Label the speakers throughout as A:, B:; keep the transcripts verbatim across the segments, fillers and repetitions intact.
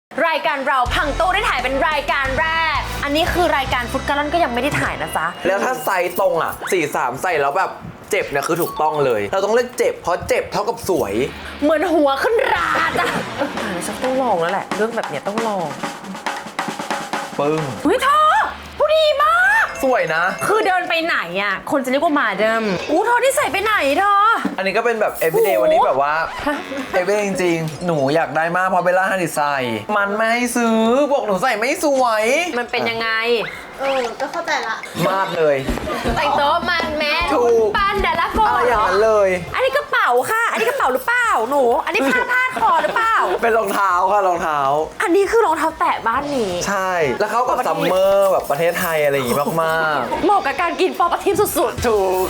A: รายการเราพังตู้ได้ถ่ายเป็นรายการแรกอันนี้คือรายการฟุตกะล่อนก็ยังไม่ได้ถ่ายนะจ๊ะ
B: แล้วถ้าไซส์ตรงอ่ะสี่สามใส่แล้วแบบเจ็บเนี่ยคือถูกต้องเลยเราต้องเลือกเจ็บเพราะเจ็บเท่ากับสวย
A: เหมือนหัวขึ้นราจ้ะถ่ายฉันต้องลองแล้วแหละเรื่องแบบเนี้ยต้องลอง
B: ปึ้ง
A: เฮ้ยเธอผู้ดีมาก
B: สวยนะ
A: คือเดินไปไหนอ่ะคนจะเรียกว่ามาเดิมอู้เธอที่ใส่ไปไหนเธอ
B: อันนี้ก็เป็นแบบ everyday วันนี้แบบว่า everyday จริงๆหนูอยากได้มากเพราะเบลล่าฮันดิใส่มันไม่ให้ซื้อบอกหนูใส่ไม่สวย
A: มันเป็นยังไง
C: เออก็เข้าใจละ
B: มากเลย
A: แต่งโต๊ะมันแม่ปันเดลโก้
B: อะไรอย่างนั้นเลย
A: อันนี้กระเป๋าค่ะอันนี้กระเป๋าหรือเปล่าหนูอันนี้ผ้าพาดคอหรือเปล่า
B: เป็นรองเท้าค่ะรองเท้า
A: อันนี้คือรองเท้าแตะบ้านนี้
B: ใช่แล้วเขากับซัมเมอร์แบบประเทศไทยอะไรอย่างงี้มาก
A: ๆเหมาะกับการกินปอปลาทิพย์สุด
B: ๆถูก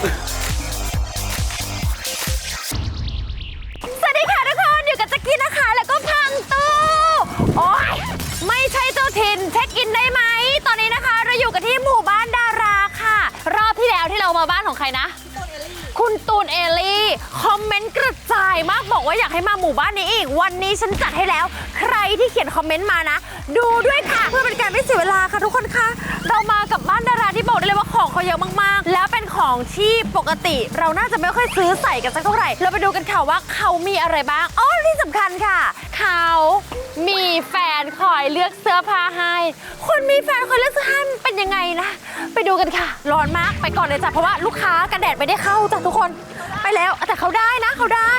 A: สวัสดีค่ะทุกคนอยู่กับแจ็คกี้นะคะแล้วก็พังตู้โอ๊ยไม่ใช่เจ้าถิ่นเช็คอินได้ไหมตอนนี้นะคะเราอยู่กันที่หมู่บ้านดาราค่ะรอบที่แล้วที่เรามาบ้านของใครนะคุณตูนเอลี่คอมเมนต์กระจายมากบอกว่าอยากให้มาหมู่บ้านนี้อีกวันนี้ฉันจัดให้แล้วใครที่เขียนคอมเมนต์มานะดูด้วยค่ะเพื่อเป็นการไม่เสียเวลาค่ะทุกคนคะเรามากับบ้านดาราที่บอกได้เลยว่าของเขาเยอะมากๆแล้วเป็นของที่ปกติเราน่าจะไม่ค่อยซื้อใส่กันสักเท่าไหร่เราไปดูกันค่ะว่าเขามีอะไรบ้างอ๋อที่สำคัญค่ะเขามีแฟนคอยเลือกเสื้อผ้าให้คนมีแฟนคอยเลือกเสื้อผ้ามันเป็นยังไงนะไปดูกันค่ะร้อนมากไปก่อนเลยจ้ะเพราะว่าลูกค้ากันแดดไม่ได้เข้าจ้ะทุกคนไปแล้วแต่เขาได้นะเขาได้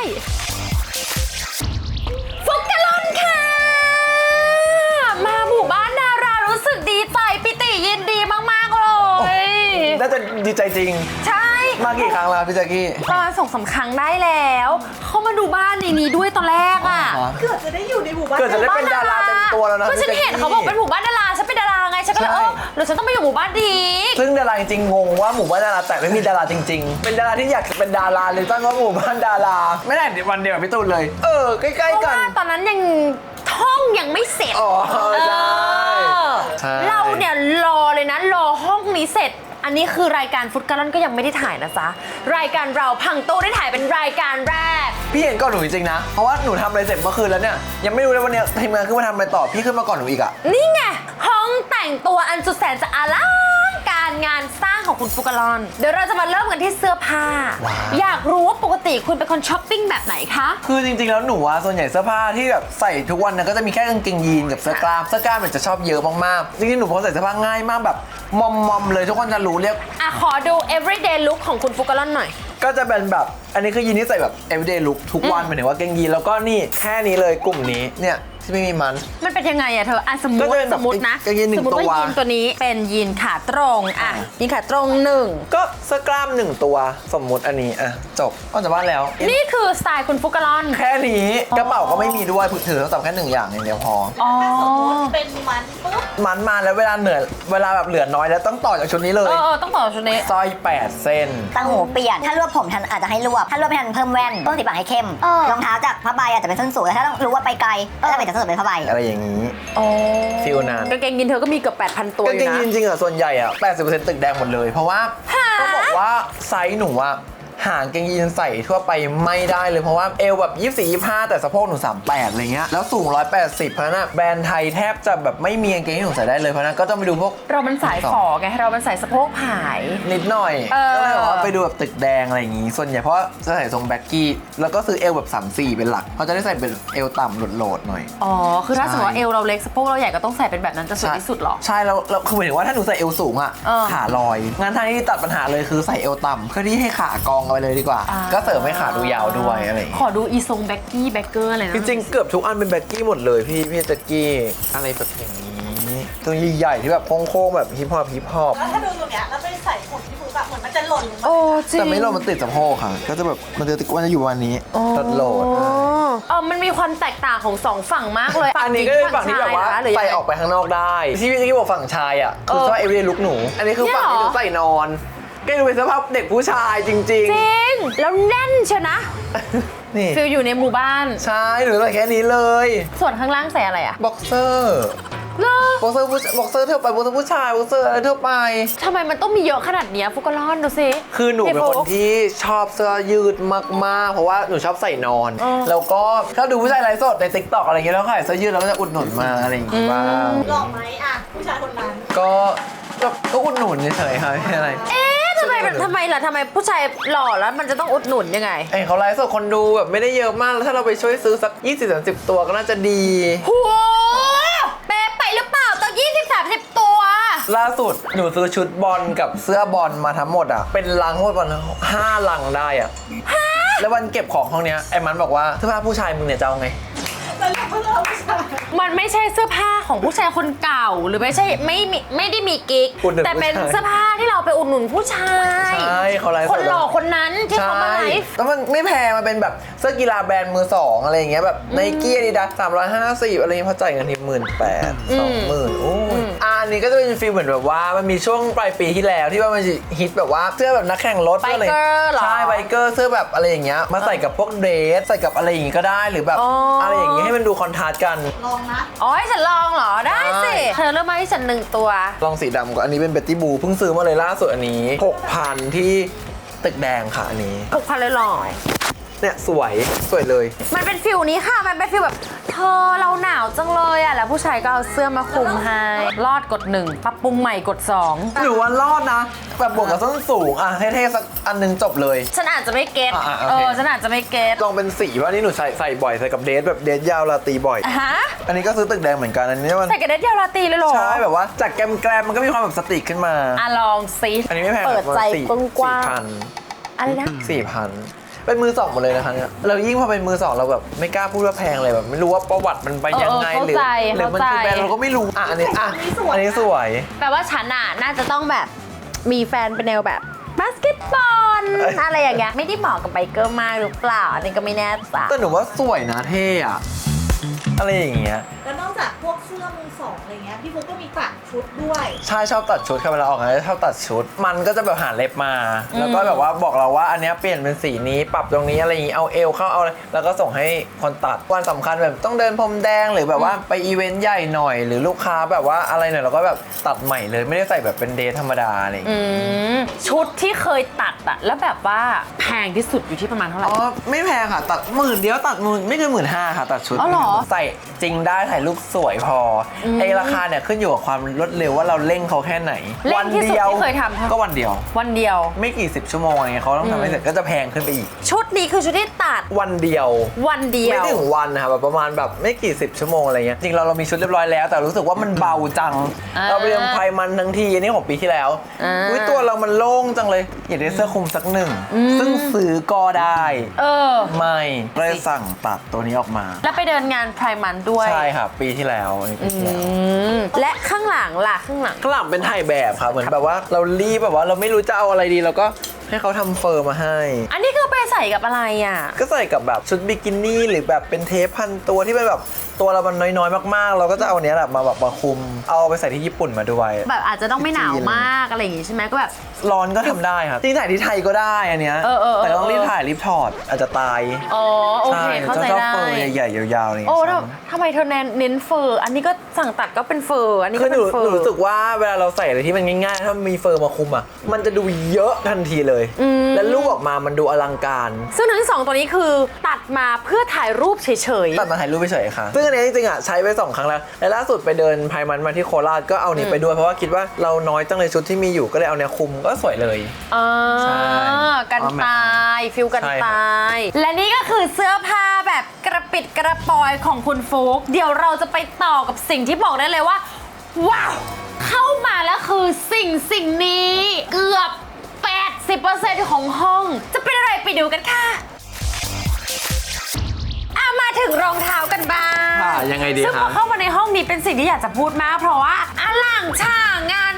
A: ฟุกกะลอนค่ะมาหมู่บ้านดารารู้สึกดีใจปิติยินดีมากๆเลย
B: น่าจะดีใจจริง
A: ใช่
B: มากี่ครั้งแล้วพี่แจ๊กกี้
A: ประมาณสองสามครั้งได้แล้วเขามาดูบ้านในนี้ด้วยตอนแรกอ่ะ
C: เกือบจะได้อยู่ในหมู่บ้าน
B: เกือบจะได้เป็นดาราเต็มตัวแล้วนะ
A: ก็ฉันเห็นเขาบอกเป็นหมู่บ้านดาราฉันเป็นดาราไงฉันก็เลยเออหรือฉันต้องไปอยู่หมู่บ้านดี
B: ซึ่งดาราจริงๆงงว่าหมู่บ้านดาราแต่ไม่มีดาราจริงๆเป็นดาราที่อยากเป็นดาราเลยตั้งว่าหมู่บ้านดาราไม่ได้วันเดียวกับพี่ตูนเลยเออใกล้ๆกัน
A: ตอนนั้นยังห้องยังไม่เสร็จ
B: อ๋อใช่
A: เราเนี่ยรอเลยนะรอห้องนี้เสร็จอันนี้คือรายการฟุตกะล่อนก็ยังไม่ได้ถ่ายนะจ๊ะรายการเราพังตู้ได้ถ่ายเป็นรายการแรก
B: พี่เห็นก่อนหนูจริงๆนะเพราะว่าหนูทำอะไรเสร็จเมื่อคืนแล้วเนี่ยยังไม่รู้เลยวันนี้ทีมงานขึ้นมาทำอะไรต่อพี่ขึ้นมาก่อนหนูอีกอะ
A: นี่ไงห้องแต่งตัวอันสุดแสนจะอลังการงานสร้างของคุณฟุกกะล่อนเดี๋ยวเราจะมาเริ่มกันที่เสื้อผ้าอยากรู้ว่าปกติคุณเป็นคนช้อปปิ้งแบบไหนคะ
B: คือจริงๆแล้วหนูอะส่วนใหญ่เสื้อผ้าที่แบบใส่ทุกวันนะก็จะมีแค่กางเกงยีนกับเสื้อกล้ามเสื้อกล้ามมันจะชอบเยอะมากๆจริงๆหนูพอใส่เสื้อผ้าง่ายมากแบบมอมๆเลยทุกคนจะรู้เรียก
A: อ่ะขอดู everyday look ของคุณฟุกกะล่อนหน่อย
B: ก็จะเป็นแบบอันนี้คือยีนที่ใส่แบบ everyday look ทุกวันหมายถึงว่าเกงยีนแล้วก็นี่แค่นี้เลยกลุ่มนี้เนี่ยที่ไม่มีมัน
A: มันเป็นยังไงอะเธออ่ะสมมติสมมตินะ
B: สมมติ
A: ว่ายีนตัวนี้เป็นยีนขาตรงอ่ะยีนขาตรงหนึ่ง
B: ก็เสื้อกล้ามหนึ่งตัวสมมุติอันนี้อ่ะจบก็จะว่าแล้ว
A: นี่คือสไตล์คุณฟุกกะล่อน
B: แค่นี้กระเป๋าก็ไม่มีด้วยถือโทรศัพท์แค่หนึ่งอย่างอย่างเดียวพอ
C: ถ้าสมมติเป็นมันปุ๊บ
B: มันมาแล้วเวลาเหนื่อยเวลาแบบเหลือน้อยแล้วต้องต่อจากชุดนี้เลย
A: เออต้องต่อชุดนี้
B: สร้อยแปดเส้น
D: ตั้งหูเปลี่ยนถ้ารวบผมทันอาจจะให้รวบถ้ารวบไม่ทันเพิ่มแว่นต้นสีปากให้เข้มรองเท้าจากผ้าใบอาจจะเป็นส้นสูงแต่ถ้าต้องรู้ว่าไปไกลก็จะเป็นจากส้นสูงเป็นผ้าใบ
B: อะไรอย่างนี้ฟิลนั้น
A: กางเกงยีนเธอก็มีเกือบ แปดพัน ตัวอยู่นะ
B: กางเกงยีนจริงๆอ่ะส่วนใหญ่อ่ะ แปดสิบเปอร์เซ็นต์ ตึกแดงหมดเลยเพราะว่าต้องบอกว่าไซส์หนูอ่ะหางเกงยีนใส่ทั่วไปไม่ได้เลยเพราะว่าเอวแบบยี่สิบสี่ ยี่สิบห้าแต่สะโพกหนูสามสิบแปดอะไรเงี้ยแล้วสูงหนึ่งร้อยแปดสิบเพราะนั้นแบรนด์ไทยแทบจะแบบไม่มีกางเกงที่หนูใส่ได้เลยเพราะนั้นก็ต้องไปดูพวก
A: เรามันสายฝอไงเรามันใส่สะโพกผาย
B: นิดหน่อยก็เลยบอกว่าไปดูแบบตึกแดงอะไรอย่างงี้ส่วนใหญ่เพราะจะใส่ทรงแบ็คกี้แล้วก็ซื้อเอวแบบสามสี่เป็นหลักเขาจะได้ใส่เป็นเอวต่ำโหลดๆหน่อย
A: อ๋อคือถ้าสมมติว่าเอวเราเล็กสะโพกเราใหญ่ก็ต้องใส่เป็นแบบนั้นจะสวยที่สุดหรอ
B: ใช่แล้วคือหมายถึงว่าถ้าหนูใส่เอวสูงอ่ะขาลอยงานทางที่ตัดปัญหาเลยคือใส่เอวต่ำเพื่อที่ให้ขากองเอาไปเลยดีกว่าก็เสริมให้ขาดูยาวด้วยอะไร
A: ขอดูอีทรงแบ็คกี้แบ็คเกอร์อะไรนะ
B: จริงๆเกือบทุกอันเป็นแบ็คกี้หมดเลยพี่พี่แจ็คกี้อะไรแบบอย่างนี้ตัวใหญ่ๆที่แบบโค้งๆแบบฮิปฮอปฮิปฮอป
C: แล้วถ้าดูตรงเนี้ยแล้วไปใส่หุ่นที่ฟูแบบเหมือนมันจะหล่น
A: โอ้จริง
B: แต่ไม่หล่นมันติดสะโพกค่ะก็จะแบบมันจะติดวันจะอยู่วันนี้ตัดโหลด
A: เออมันมีความแตกต่างของสองฝั่งมากเลย
B: อันนี้ก็เป็นฝั่งที่แบบว่าใส่ออกไปข้างนอกได้ที่พี่แจ็คกี้บอกฝั่งชายอ่ะคือว่าเอวีลุคหนูอันนี้คือฝั่งที่หนูใส่นอนก็ดูเป็นสภาพเด็กผู้ชายจริงๆจริ
A: งแล้วแน่นเชียวนะ
B: นี่
A: ฟิลอยู่ในหมู่บ้าน
B: ใช่หรือใส่แค่นี้เลย
A: ส่วนข้างล่างใส่อะไรอะ
B: บ็อกเซอร์
A: เหรอ
B: บ็อกเซอร์ผู้บ็อกเซอร์ทั่วไปบ็อกเซอร์ผู้ชายบ็อกเซอร์อะไรทั่วไป
A: ทำไมมันต้องมีเยอะขนาดเนี้ยฟุกก็ร้อนดูสิ
B: คือหนูเป็นคนที่ชอบเสื้อยืดมากๆเพราะว่าหนูชอบใส่นอน แล้วก็ชอบดูผู้ชายไลฟ์สดในติ๊กต็อกอะไรอย่างเงี้ยแล้วขายเสื้อยืดแล้วก็จะอุดหนุนมาอะไรอย่างงี้บ้าง
C: หล่อไหมอ่ะผู้ชายคนนั้น
B: ก็ก็ก็อุดหนุนเฉยๆค่ะไม่ใช่อะไร
A: เอ๊ะทำไมแบบทำไมล่ะทำไมผู้ชายหล่อแล้วมันจะต้องอุดหนุนยังไง
B: ไอเขาไลฟ์สดคนดูแบบไม่ได้เยอะมากแล้วถ้าเราไปช่วยซื้อสัก ยี่สิบถึงสามสิบ ตัวก็น่าจะดี
A: โหเป๊ะไปหรือเปล่าตั้งยี่สิบสามสิบตัว
B: ล่าสุดหนูซื้อชุดบอลกับเสื้อบอลมาทั้งหมดอ่ะเป็นลังทั้งหมดประมาณห้าลังได้อ่ะแล้ววันเก็บของห้องเนี้ยไอ้มันบอกว่าเสื้อผ้าผู้ชายมึงเนี่ยจะเอาไง
C: แล้วเราก็เลิกผู้ชาย
A: มันไม่ใช่เสื้อผ้าของผู้ชายคนเก่าหรือไม่ใช่ไม่มีไม่ได้มีกิ๊ก
B: อุดหนุน
A: แต่เป็น
B: ผู้ชาย
A: เสื้อผ้าที่เราไปอุดหนุนผู้ชาย
B: ใช่เขาไลฟ์สด
A: คนหล่อคนนั้นที่เขามาไลฟ์
B: แล้วมันไม่แพงมันเป็นแบบเสื้อกีฬาแบรนด์มือสองอะไรอย่างเงี้ยแบบไนกี้อาดิดาสสามร้อยห้าสิบอะไรเงี้ยพอจ่ายเงินทีหมื่นแปดสองหมื่นโอ้ยอ่ะอันนี้ก็จะเป็นฟีลเหมือนแบบว่ามันมีช่วงปลายปีที่แล้วที่ว่ามันฮิตแบบว่าเสื้อแบบนักแข่งรถ
A: ไบ
B: สื้ะร
A: เกอร์เหรอ
B: ใช่ไบเกอร์เสื้อแบบอะไรอย่างเงี้ยมาใส่กับพวกเดรสใส่กับอะไรอย่างงี้ก็ได้หรือแบบ
A: อ๋ออ
B: อะไรอย่างงี้ให้มันดูคอนทราสต์กัน
C: ลองนะ
A: อ๋อให้ฉันลองเหรอได้สิ
B: ได้
A: เธอเลือกมาให้ฉันหนึ่งตัว
B: ลองสีดำก่อนอันนี้เป็นเบตตี้บูเพิ่งซื้อมาเลยล่าสุดอันนี้หกพันที่ตึกแดงค่ะอันนี้
A: หกพันเลยหน่อย
B: เนี่ยสวยสวยเลย
A: มันเป็นฟิลนี้ค่ะ มันเป็นฟิลแบบเธอเราหนาวจังเลยอ่ะ แล้วผู้ชายก็เอาเสื้อมาคลุมให้ รอดกดหนึ่งปรับปรุงใหม่กดสอง
B: หรือว่ารอดนะ แบบบวกกับส้นสูง อ่ะเท่ๆสักอันหนึงจบเลย
A: ฉันอาจจะไม่เก็ต
B: อ่ะอ่ะโอ
A: เอ
B: เค
A: อ ฉันอาจจะไม่เก็ต
B: ลองเป็นสีว่านี่หนูใส่ใส่บ่อยใส่กับเดรสแบบเดรสยาวลาตีบ่อย
A: ฮะ
B: อันนี้ก็ซื้อตึกแดงเหมือนกันอันนี้มัน
A: ใส่กระเด็ดเดียวราตรีเลยเหรอ
B: ใช่แบบว่าจากแกรมแกรมมันก็มีความแบบสติกขึ้นมา
A: อ่ะลองสิ
B: อันนี้ไม่แพง
A: เปิดใจ
B: สี่
A: กว้าง
B: สี่พัน
A: ๆอะไรนะ
B: สี่พันเป็นมือสองหมดเลยนะคะเนี่ยเรายิ่งพอเป็นมือสองเราแบบไม่กล้าพูดว่าแพงเลยแบบไม่รู้ว่าประวัติมันไปยังไง
A: เออ
B: หรือ
A: เข้าใจ
B: หรือมันคือ
A: เข้าใจ
B: แบรนด์เราก็ไม่รู้อ่ะอันนี้อ่ะอันนี้สวย
A: แปลว่าฉันอ่ะน่าจะต้องแบบมีแฟนเป็นแนวแบบบาสเกตบอล
B: เอ้ย
A: อะไรอย่างเงี้ยไม่ได้เหมาะกับไบเกอร์มากหรือเปล่าอันนี้ก็ไม่แน่ใจ
B: แต่หนูว่าสวยนะเท่อะอะไรอย่างเงี้ย
C: แล้วนอกจากพวกเสื้อมือสองอะไรเงี้ยพี่ฟุกก็มีตัดชุดด้วย
B: ใช่ชอบตัดชุดค่ะเวลาออกงานชอบตัดชุด มันก็จะแบบหาเล็บมา แล้วก็แบบว่าบอกเราว่าอันเนี้ยเปลี่ยนเป็นสีนี้ปรับตรงนี้อะไรอย่างงี้เอาเอวเข้าเอาอะไรแล้วก็ส่งให้คนตัดวันสำคัญแบบต้องเดินพรมแดงหรือแบบว่าไปอีเวนต์ใหญ่หน่อย หรือลูกค้าแบบว่าอะไรหน่อยเราก็แบบตัดใหม่เลยไม่ได้ใส่แบบเป็นเดทธรรมดาอะไรอย่าง
A: อื
B: เงี้ย
A: มชุดที่เคยตัดอะแล้วแบบว่าแพงที่สุดอยู่ที่ประมาณเท่าไหร่
B: อ๋อไม่แพงค่ะตัดหมื่นเดียวตัดหมื่นไม่เกินหมื่นห้าค่ะตัดชุด
A: อ๋อเหรอ
B: ใส่จริงได้ถ่ายรูปสวยพออไอราคาเนี่ยขึ้นอยู่กับความรวดเร็วว่าเราเร่งเขาแค่ไหน
A: เร่งที่สุดที่เคยทำ
B: ก็วันเดียว
A: วันเดียว
B: ไม่กี่สิบชั่วโมงอะไรเงี้ยเขาต้องทำให้เสร็จก็จะแพงขึ้นไปอีก
A: ชุดนี้คือชุดที่ตัด
B: วันเดียว
A: วันเดียว
B: ไม่ถึงวันนะคะแบบประมาณแบบไม่กี่สิบชั่วโมงอะไรเงี้ยจริงเราเรามีชุดเรียบร้อยแล้วแต่รู้สึกว่ามันเบาจัง
A: อ่า
B: เราไปเรียนไพมันทั้งทีอันนี้ของปีที่แล้ว
A: อ่า
B: อุ้ยตัวเรามันโล่งจังเลยอยากได้เสื้อคลุมสักหนึ่งซึ่งซื้อก็ได้
A: เออ
B: ไม่เลยสั่งตัดตัวนี้ออกมา
A: แล้วไปเดินงานไพรมันด้วย
B: ใช่ค่ะปีที่แล้วอันนี้ปีที่แล้ว
A: อืมและข้างหลังล่ะข้างหลัง
B: ข้างหลังเป็นถ่ายแบบค่ะเหมือนแบบว่าเรารีบแบบว่าเราไม่รู้จะเอาอะไรดีเราก็ให้เขาทำเฟอร์มาให้
A: อันนี้คือไปใส่กับอะไรอ่ะ
B: ก็ใส่กับแบบชุดบิกินี่หรือแบบเป็นเทปพันตัวที่เป็นแบบตัวเรามันน้อยๆมากๆ เราก็จะเอาอันเนี้ยแหละมาแบบมาคุมเอาไปใส่ที่ญี่ปุ่นมาด้วย
A: แบบอาจจะต้องไม่หนาวมากอะไรอย่างงี้ใช่ไหมก็แบบ
B: ร้อนก็ทำได้ครับจริงถ่ายที่ไทยก็ได้อันเนี้ย
A: เออเออเออ
B: แต่ต้องรีบถ่ายรีบถอดอาจจะตาย
A: อ๋อโอเคเข้าใจ
B: ชอบ
A: ได้
B: เฟอร์ใหญ่ๆยาวๆอะไรอย่าง
A: โอ้
B: เงี้ย
A: ทำทำไมเธอเน้นเน้นเฟอร์ อันนี้ก็สั่งตัดก็เป็นเฟอร์ อันนี้
B: คื
A: ก็
B: อห
A: เป็
B: นู
A: นเฟอ
B: หนู
A: ร์
B: รู้สึกว่าเวลาเราใส่อะไรที่มันง่ายๆถ้ามีเฟอร์มาคุมอ่ะมันจะดูเยอะทันทีเลย แล้วรูปออกมามันดูอลังการ
A: ซึ่งทั้งสองตัวนี้คือตัดมาเพื่อถ่ายรูปเฉย
B: ตัดมาถ่ายรูปเฉยๆค่ะ ซึ่งอันนี้จริงๆอ่ะใช้ไปสองครั้งแล้ว และล่าสุดไปเดินไพมันมาที่โคราชก็เอานี้ไปด้วยเพราะว่าคิดว่าเราน้อยจังเลยชุดที่มีอยู่ก็เลยเอาเนี้ยคุมก็สวยเลย
A: ๆอ่า
B: ใช่
A: กันตายฟิลกัน
B: ใช่ครับ
A: ตาย และนี่ก็คือเสื้อผ้าแบบกระปิดกระปอยของคุณฟุกเดี๋ยวเราจะไปต่อกับสิ่งที่บอกได้เลยว่า ว้าว เข้ามาแล้วคือสิ่งสิ่งนี้เกือบ แปดสิบเปอร์เซ็นต์ ของห้อง จะเป็นอะไรไปดูกันค่ะอ่ะมาถึงรองเท้ากันบ้าง
B: ค่ะยังไงดี
A: ซึ่งพ
B: คะ
A: อเข้ามาในห้องนี้เป็นสิ่งที่อยากจะพูดมาก เพราะว่าอลังฉ่างงานสร้าง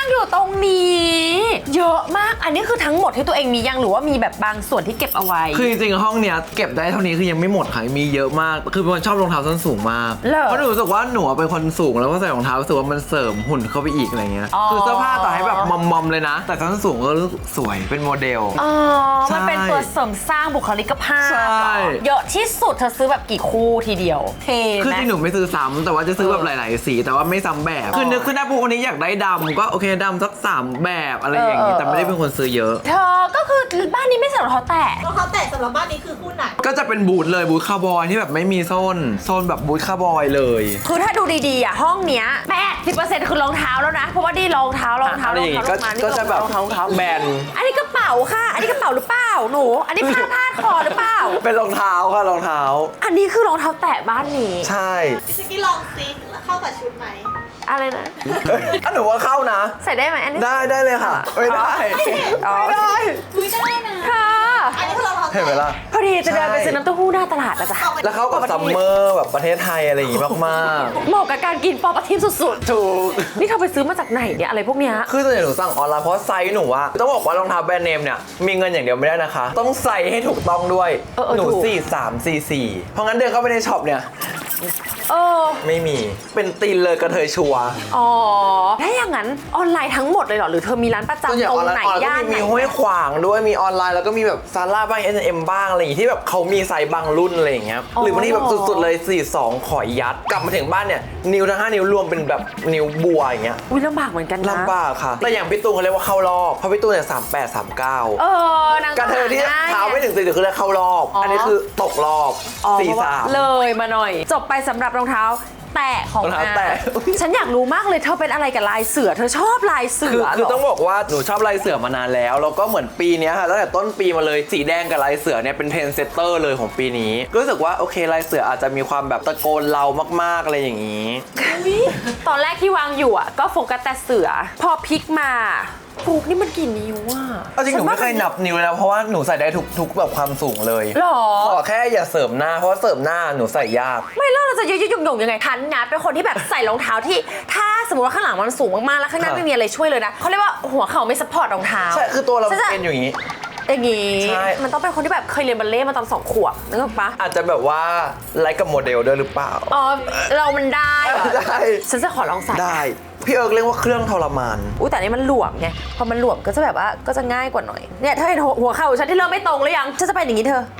A: อยู่ตรงนี้ เยอะมากอันนี้คือทั้งหมดที่ตัวเองมียังหรือว่ามีแบบบางส่วนที่เก็บเอาไว้
B: คือจริงๆห้องเนี้ยเก็บได้เท่านี้คือยังไม่หมดค่ะมีเยอะมากคือเป็นคนชอบรองเท้าส้นสูงมาก
A: เหรอ
B: เพราะหนูรู้สึกว่าหนูเป็นคนสูงแล้วก็ใส่รองเท้ารู้สึกว่ามันเสริมหุ่นเข้าไปอีกอะไรเงี้ย
A: อ๋อ
B: คือเสื้อผ้าต่อให้แบบมอมๆเลยนะ แต่ส้นสูงก็รู้สึกสวยเป็นโมเดล
A: อ๋อ
B: ใช่
A: มันเป็นตัวเสริมสร้างบุคลิกภาพ
B: ใช่
A: เหรอเยอะที่สุดเธอซื้อแบบกี่คู่ทีเดียวเท
B: คือ
A: ไหม
B: ที่หนูไม่ซื้อซ้ำแต่ว่าจะซื้อแบบ
A: เออ
B: หลายๆสีแต่ว่าไม่ซ้ำแบบ
A: อ๋อ
B: คือนึกขึ้นได้ปุ๊บวันนี้อยากได้ดำก็โอเคดำสักสามแบบอะไรอย่างงี้
A: เออ
B: แต่ไม่ได้เป็นคนซื้อเยอะ
A: เธอก็คือบ้านนี้ไม่ใส่รองเท้าแตะ
C: รองเท้าแตะสำหรับบ้านนี้คือคู่ไหน
B: ก็จะเป็นบูทเลยบูทคาร์บอยที่แบบไม่มีโซนโซนแบบบูทคาร์บอยเลย
A: คือถ้าดูดีๆอ่ะห้องเนี้ยแปดสิบเปอร์เซ็นต์คือรองเท้าแล้วนะเพราะว่านี่รองเท้ารองเท้ารองเท้าร
B: ก็
A: องเท้านี่
B: ก็จะแบบ
A: รองเท้ารองเท้า
B: แบน
A: อันนี้กระเป๋าค่ะ อันนี้กระเป๋าหรือเปล่าหนู อันนี้ผ้าพาดคอหรือเปล่า
B: เป็นรองเท้าค่ะรองเท้า
A: อันนี้คือรองเท้าแตะบ้านนี้
B: ใช่
C: พี่สกี้ลองซิเข้ากับชุดไหม
A: อะไรนะ
B: ถ้าหนูว่าเข้านะ
A: ใส่ได้ไหมอันนี้
B: ได้ได้เลยค่ะ ไม่ได้
A: อ๋อ
B: ไม่ได้
C: คุยได้นะ
A: ค่ะ
C: อันนี้คือรองเท้า
B: เห็นไหม
C: แตะ
B: ล่ะ
A: พอดีจะเดินไปซื้อน้ำเต้าหู้หน้าตลาดแล้วจ้ะ
B: แล้วเข้ากับซัมเมอร์แบบประเทศไทยอะไรอย่างงี้มาก
A: เหมาะกับการกินปอปลาทิมสุด
B: ๆ ถูก
A: ๆ นี่เธอไปซื้อมาจากไหนเนี่ยอะไรพวกเนี้ย
B: คือส่วนใหญ่หนูสั่งออนไลน์เพราะไซส์หนูอะต้องบอกว่ารองเท้าแบรนด์เนมเนี่ยมีเงินอย่างเดียวไม่ได้นะคะ ต้องใส่ให้ถูกต้องด้วย
A: เออเออ
B: หนู
A: ถูก
B: สี่สามสี่สี่เพราะงั้นเดินเข้าไปในช็อปเนี่ย
A: เออ
B: ไม่มีเป็นตีนเลยกระเทยชัวร์
A: อ๋อ ถ้าอย่างนั้นออนไลน์ทั้งหมดเลยเหรอ หรือเธอมีร้านประ
B: ส่วนใหญ่
A: จำตร
B: ออง นไล
A: ไหน
B: น์ออนไลน์ก็
A: ย่าน
B: มี
A: ไหน
B: มีห้วยขวางด้วยมีออนไลน์แล้วก็มีแบบซาร่าบ้าง เอส เอ็ม บ้างอะไรอย่างงี้ที่แบบเขามีไซส์บางรุ่นอะไรอย่างเงี้ย
A: อ๋อ
B: หรือบางทีแบบสุดๆเลยสี่สองขอยัดกลับมาถึงบ้านเนี่ยนิ้วทั้งห้านิ้วรวมเป็นแบบนิ้วบัวอย่างเงี้ย
A: อุ้ยลำบากเหมือนกันนะ
B: ลำบากค่ะ แต่อย่างพี่ตูนเขาเรียกว่าเข้ารอบเพราะพี่ตูนเนี่ยสามแปดสามเก้า
A: เออนาง
B: กระเทยที่
A: ห
B: เท้าไม่ถึงสี่สิบคือได้เข้ารอบ
A: อ๋ออั
B: อันนี้คือตกรอบ
A: อ๋อ
B: สี่
A: เพราะว่า
B: สาม
A: เลยมาหน่อย จบไปสำหรับรองเท้าแตะของ
B: รองเท้า
A: อา
B: แตะ
A: ฉันอยากรู้มากเลยเธอเป็นอะไรกับลายเสือ เธอชอบลายเสื
B: คือ
A: อ
B: คือ
A: เหร
B: ต้องบอกว่าหนูชอบลายเสือมานานแล้วแล้วก็เหมือนปีเนี้ยค่ะตั้งแต่ต้นปีมาเลยสีแดงกับลายเสือเนี่ยเป็นเทรนด์เซตเตอร์เลยของปีนี้รู้สึกว่าโอเคลายเสืออาจจะมีความแบบตะโกนเรามากๆอะไรอย่างนี้
A: ตอนแรกที่วางอยู่อ่ะก็โฟกัสแต่เสือ พอพลิกมาฟุกนี่มันกี่นิ้วอ่ะ
B: เอาจริงหนูไม่เคยนับนิ้วเลยนะเพราะว่าหนูใส่ได้ทุกทุกแบบความสูงเลย
A: หรอ
B: ขอแค่อย่าเสริมหน้าเพราะว่าเสริมหน้าหนูใส่ยาก
A: ไม่แล้วเราจะยืดยืดหยุ่งหยุ่งยังไงทันนะเป็นคนที่แบบใส่รองเท้าที่ถ้าสมมติว่าข้างหลังมันสูงมากๆแล้วข้างหน้า
B: ค่ะ
A: ไม่มีอะไรช่วยเลยนะเขาเรียกว่าหัวเข่าไม่ซัพพอร์ตรองเท้า
B: ใช่คือตัวเรา
A: ฉันจะ
B: เป็นอยู่อย่างนี้
A: อย่างงี้
B: ใช่
A: มันต้องเป็นคนที่แบบเคยเรียนบัลเล่ต์มาตอนสองขวบนึกออกปะ
B: อาจจะแบบว่าไลค์กับโมเดลด้วยหรือเปล่า
A: อ๋อเรามันได้เหรอ
B: ได้
A: ฉันจะขอลองใส่
B: ได้พี่เอิร์กเรียกว่าเครื่องทรมาน
A: อุ้ยแต่อันนี่มันหลวมไงพอมันหลวมก็จะแบบว่าก็จะง่ายกว่าหน่อยเนี่ยเธอเห็นหัวหัวเข่าฉันที่เริ่มไม่ตรงหรือยังฉันจะไปอย่างนี้เธอ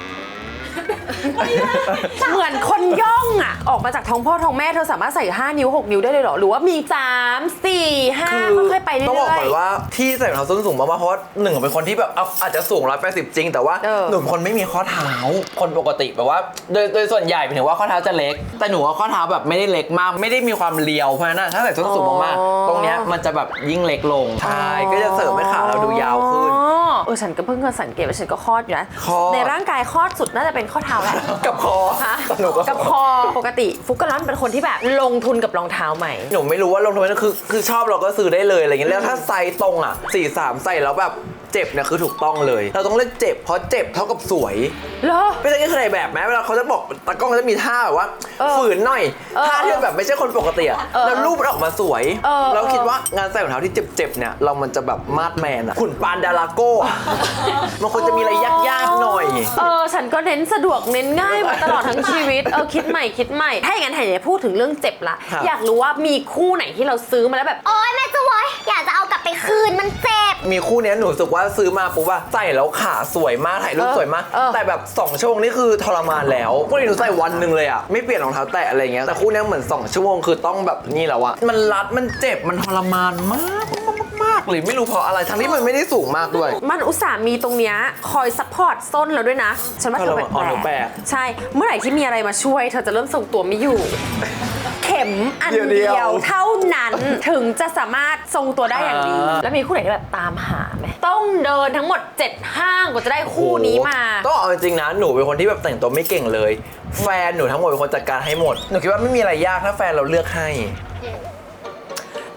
A: เหมือนคนย่องอ่ะออกมาจากท้องพ่อท้องแม่เธอสามารถใส่ห้านิ้วหกนิ้วได้เลยเหรอหรือว่ามีสามสี่ห้าค่อยๆไปเรื่อยๆ
B: ต้องบอกก่อนว่าที่ใส่รองเท้าส้นสูงมากๆเพราะว่าหนึ่งเป็นคนที่แบบเอาอาจจะสูงหนึ่งร้อยแปดสิบจริงแต่ว่า
A: เออ
B: หนูเป็นคนไม่มีข้อเท้าคนปกติแบบว่าโดยโดยส่วนใหญ่หมายถึงว่าข้อเท้าจะเล็ก แต่หนูว่าข้อเท้าแบบไม่ได้เล็กมากไม่ได้มีความเรียวเพราะฉะนั้นถ้าใส่ส้นสูงมากๆตรงเนี้ยมันจะแบบยิ่งเล็กลงใช่ก็จะเสริมให้ขาเราดูยาวขึ้น
A: อ๋อเออฉันก็เพิ่งเคยสังเกตว่าฉันก็คลอดอยู่นะ
B: คลอด
A: ในร่างกายคลอดสุดน่าจะเป็นข้อเท้าแหละ
B: กับคอ
A: ฮะ
B: หนูก็
A: กับคอปกติฟุกกะล่อนเป็นคนที่แบบลงทุนกับรองเท้าใหม่
B: หนูไม่รู้ว่าลงทุนนั้นคือคือชอบเราก็ซื้อได้เลยอะไรเงี้ยแล้วถ้าไซส์ตรงอ่ะสี่สามใส่แล้วแบบเจ็บเนี่ยคือถูกต้องเลย เราต้องเลือกเจ็บเพราะเจ็บเท่ากับสวย
A: เหรอ
B: ไม่ใช่แค่ใครแบบแม้เวลาเขาจะบอกตากล้องเขาจะมีท่าแบบว่า
A: เออ
B: ฝืนหน่อย
A: เออ
B: ท่าที่แบบไม่ใช่คนปกติอะ
A: เออ
B: แล้วรูปมันออกมาสวย
A: เออ
B: เราคิดว่างานใส่รองเท้าที่เจ็บๆเนี่ยเรามันจะแบบมาดแมนอะขุนปานดาราโก้อะมันควรจะมีอะไรยากๆหน่อย
A: เออฉันก็เน้นสะดวกเน้นง่ายมาตลอดทั้งชีวิตเออคิดใหม่คิดใหม่ถ้าอย่างนั้นไหนพูดถึงเรื่องเจ็บละ
B: ครับ
A: อยากรู้ว่ามีคู่ไหนที่เราซื้อมาแล้วแบบ
D: โอ๊ยแม่จะไว้อยากจะเอากลับไปคืนมันเจ็บ
B: มีคู่เนี้ยหนูรู้สึกว่าซื้อมาปุ๊บว่าใส่แล้วขาสวยมากถ่ายรูป
A: เออ
B: สวยมาก
A: เออ
B: แต่แบบสองชั่วโมงนี่คือทรมานแล้วพวกนี้หนูใส่วันหนึ่งเลยอะไม่เปลี่ยนรองเท้าแตะอะไรเงี้ยแต่คู่เนี้ยเหมือนสองชั่วโมงคือต้องแบบนี่แล้วอะมันรัดมันเจ็บมันทรมานมากมากๆเลยไม่รู้เพราะอะไรทั้งที่มันไม่ได้สูงมากด้วย
A: มันอุตส่าห์มีตรงเนี้ยคอยซัพพอร์ตส้นเราด้วยนะ ฉันว่าเธอแปล
B: อ๋อหนูแปล
A: ก
B: ก
A: ๆใช่ เมื่อไหร่ที่มีอะไรมาช่วย เธอจะเริ่มทรงตัวไม่อยู่ เข็มอัน
B: เดี
A: เดี
B: ยวๆ
A: ยวเท่านั้นถึงจะสามารถทรงตัวได้อย่างดี
B: อ่า
A: แล้วมีคู่ไหนที่แบบตามหาไหมต้องเดินทั้งหมดเจ็ดห้างกว่าจะได้คู่นี้มา
B: ต้องเอาจริงๆนะหนูเป็นคนที่แบบแต่งตัวไม่เก่งเลย แฟนหนูทั้งหมดเป็นคนจัดการให้หมดหนูคิดว่าไม่มีอะไรยากถ้าแฟนเราเลือกให้